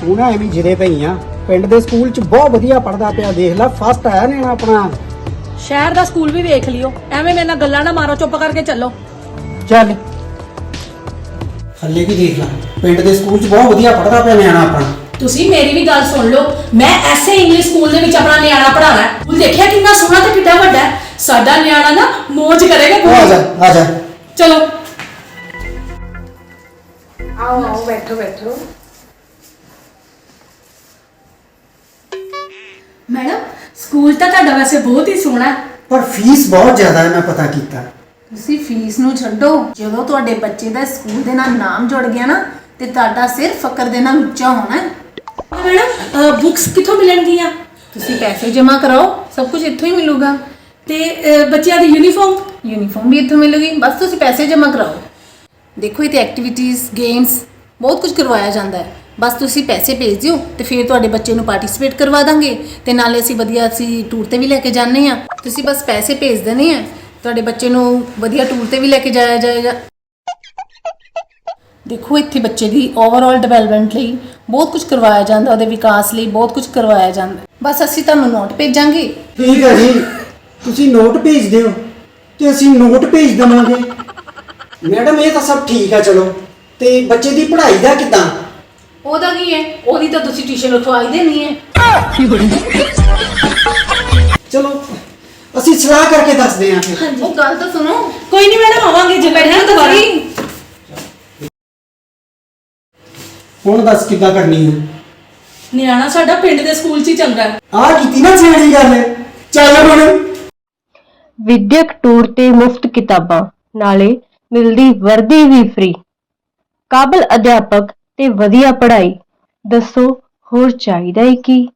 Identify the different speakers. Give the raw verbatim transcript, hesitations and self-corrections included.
Speaker 1: ਤੂੰ ਨਾ ਐਵੇਂ ਜਿਰੇ ਪਈ ਆ। ਪਿੰਡ ਦੇ ਸਕੂਲ 'ਚ ਬਹੁਤ ਵਧੀਆ ਪੜਦਾ ਪਿਆ, ਦੇਖ ਲੈ ਫਸਟ ਆਇਆ ਨੇ ਆਪਣਾ।
Speaker 2: ਸ਼ਹਿਰ ਦਾ ਸਕੂਲ ਵੀ ਵੇਖ ਲਿਓ, ਐਵੇਂ ਮੇਰੇ ਨਾਲ ਗੱਲਾਂ ਨਾ ਮਾਰੋ, ਚੁੱਪ ਕਰਕੇ ਚੱਲੋ।
Speaker 1: ਚੱਲ ਥੱਲੇ ਵੀ ਦੇਖ ਲੈ, ਪਿੰਡ ਦੇ ਸਕੂਲ 'ਚ ਬਹੁਤ ਵਧੀਆ ਪੜਦਾ ਪਿਆ ਨਿਆਣਾ ਆਪਣਾ।
Speaker 2: ਤੁਸੀਂ ਮੇਰੀ ਵੀ ਗੱਲ ਸੁਣ ਲਓ, ਮੈਂ ਐਸੇ ਇੰਗਲਿਸ਼ ਸਕੂਲ ਦੇ ਵਿੱਚ ਆਪਣਾ ਨਿਆਣਾ ਪੜਾਉਣਾ ਹੈ। ਸਕੂਲ ਦੇਖਿਆ ਕਿੰਨਾ ਸੋਹਣਾ ਤੇ ਕਿੰਨਾ ਵੱਡਾ ਹੈ। ਸਾਡਾ ਨਿਆਣਾ ਨਾ ਮौज ਕਰੇਗਾ।
Speaker 1: ਆ ਜਾ ਆ ਜਾ,
Speaker 2: ਚਲੋ
Speaker 3: आओ आओ बैठो बैठो।
Speaker 2: ਮੈਡਮ ਸਕੂਲ ਤਾਂ ਤੁਹਾਡਾ ਵੈਸੇ ਬਹੁਤ ਹੀ ਸੋਹਣਾ ਹੈ,
Speaker 1: ਪਰ ਫੀਸ ਬਹੁਤ ਜ਼ਿਆਦਾ ਹੈ, ਮੈਂ ਪਤਾ ਕੀਤਾ।
Speaker 3: ਤੁਸੀਂ ਫੀਸ ਨੂੰ ਛੱਡੋ, ਜਦੋਂ ਤੁਹਾਡੇ ਬੱਚੇ ਦਾ ਸਕੂਲ ਦੇ ਨਾਲ ਨਾਮ ਜੁੜ ਗਿਆ ਨਾ ਤੇ ਤੁਹਾਡਾ ਸਿਰ ਫਕਰ ਦੇ ਨਾਲ ਉੱਚਾ ਹੋਣਾ ਹੈ।
Speaker 2: ਮੈਡਮ ਬੁੱਕਸ ਕਿੱਥੋਂ ਮਿਲਣਗੀਆਂ?
Speaker 3: ਤੁਸੀਂ ਪੈਸੇ ਜਮ੍ਹਾਂ ਕਰਾਓ, ਸਭ ਕੁਝ ਇੱਥੋਂ ਹੀ ਮਿਲੂਗਾ।
Speaker 2: ਤੇ ਅਹ, ਬੱਚਿਆਂ ਦੀ ਯੂਨੀਫਾਰਮ?
Speaker 3: ਯੂਨੀਫਾਰਮ ਵੀ ਇੱਥੋਂ ਮਿਲੂਗੀ, ਬਸ ਤੁਸੀਂ ਪੈਸੇ ਜਮ੍ਹਾਂ ਕਰਾਓ। ਦੇਖੋ ਇੱਥੇ ਐਕਟੀਵਿਟੀਜ਼, ਗੇਮਸ ਬਹੁਤ ਕੁਝ ਕਰਵਾਇਆ ਜਾਂਦਾ ਹੈ। ਬਸ ਤੁਸੀਂ ਪੈਸੇ ਭੇਜ ਦਿਓ ਤੇ ਫਿਰ ਤੁਹਾਡੇ ਬੱਚੇ ਨੂੰ ਪਾਰਟਿਸਿਪੇਟ ਕਰਵਾ ਦਾਂਗੇ ਤੇ ਨਾਲੇ ਅਸੀਂ ਵਧੀਆ ਅਸੀਂ ਟੂਰ ਤੇ ਵੀ ਲੈ ਕੇ ਜਾਂਦੇ ਆ। ਤੁਸੀਂ ਬਸ ਪੈਸੇ ਭੇਜ ਦੇਣੇ ਆ, ਤੁਹਾਡੇ ਬੱਚੇ ਨੂੰ ਵਧੀਆ ਟੂਰ ਤੇ ਵੀ ਲੈ ਕੇ ਜਾਇਆ ਜਾਏਗਾ। ਦੇਖੋ ਇੱਥੇ ਬੱਚੇ ਦੀ ਓਵਰਆਲ ਡਿਵੈਲਪਮੈਂਟ ਲਈ ਬਹੁਤ ਕੁਝ ਕਰਵਾਇਆ ਜਾਂਦਾ, ਉਹਦੇ ਵਿਕਾਸ ਲਈ ਬਹੁਤ ਕੁਝ ਕਰਵਾਇਆ ਜਾਂਦਾ। ਬਸ ਅਸੀਂ ਤੁਹਾਨੂੰ ਨੋਟ ਭੇਜਾਂਗੇ।
Speaker 1: ਠੀਕ ਹੈ ਜੀ, ਤੁਸੀਂ ਨੋਟ ਭੇਜ ਦਿਓ ਤੇ ਅਸੀਂ ਨੋਟ ਭੇਜ ਦੇਵਾਂਗੇ। ਮੈਡਮ ਇਹ ਤਾਂ ਸਭ ਠੀਕ ਆ, ਚਲੋ ਤੇ ਬੱਚੇ ਦੀ ਪੜ੍ਹਾਈ ਦਾ ਕਿੱਦਾਂ?
Speaker 3: ਉਹਦਾ ਕੀ ਹੈ, ਉਹਦੀ ਤਾਂ ਤੁਸੀਂ ਟਿਊਸ਼ਨ ਰਖਵਾਈ ਦੇਣੀ ਹੈ।
Speaker 1: ਚਲੋ ਅਸੀਂ ਸਲਾਹ ਕਰਕੇ ਦੱਸਦੇ ਆਂ ਫਿਰ।
Speaker 3: ਉਹ ਗੱਲ ਤਾਂ ਸੁਣੋ।
Speaker 2: ਕੋਈ ਨਹੀਂ ਮੈਡਮ, ਆਵਾਂਗੇ ਜੇ ਬੈਠਣਾ ਦੁਬਾਰਾ।
Speaker 1: ਹੁਣ ਦੱਸ ਕਿੱਦਾਂ ਕਰਨੀ ਹੈ?
Speaker 2: ਨਿਆਣਾ ਸਾਡਾ ਪਿੰਡ ਦੇ ਸਕੂਲ 'ਚ ਹੀ ਚੱਲਦਾ ਹੈ।
Speaker 1: ਆਹ ਕੀਤੀ ਨਾ ਸਿਆਣੀ ਗੱਲ, ਚੱਲ ਹੁਣ।
Speaker 4: ਵਿਦਿਅਕ ਟੂਰ ਤੇ ਮੁਫਤ ਕਿਤਾਬਾਂ, ਨਾਲੇ ਮਿਲਦੀ ਵਰਦੀ ਵੀ ਫ੍ਰੀ। ਕਾਬਲ ਅਧਿਆਪਕ ਤੇ ਵਧੀਆ ਪੜ੍ਹਾਈ, ਦੱਸੋ ਹੋਰ ਚਾਹੀਦਾ ਹੈ ਕੀ?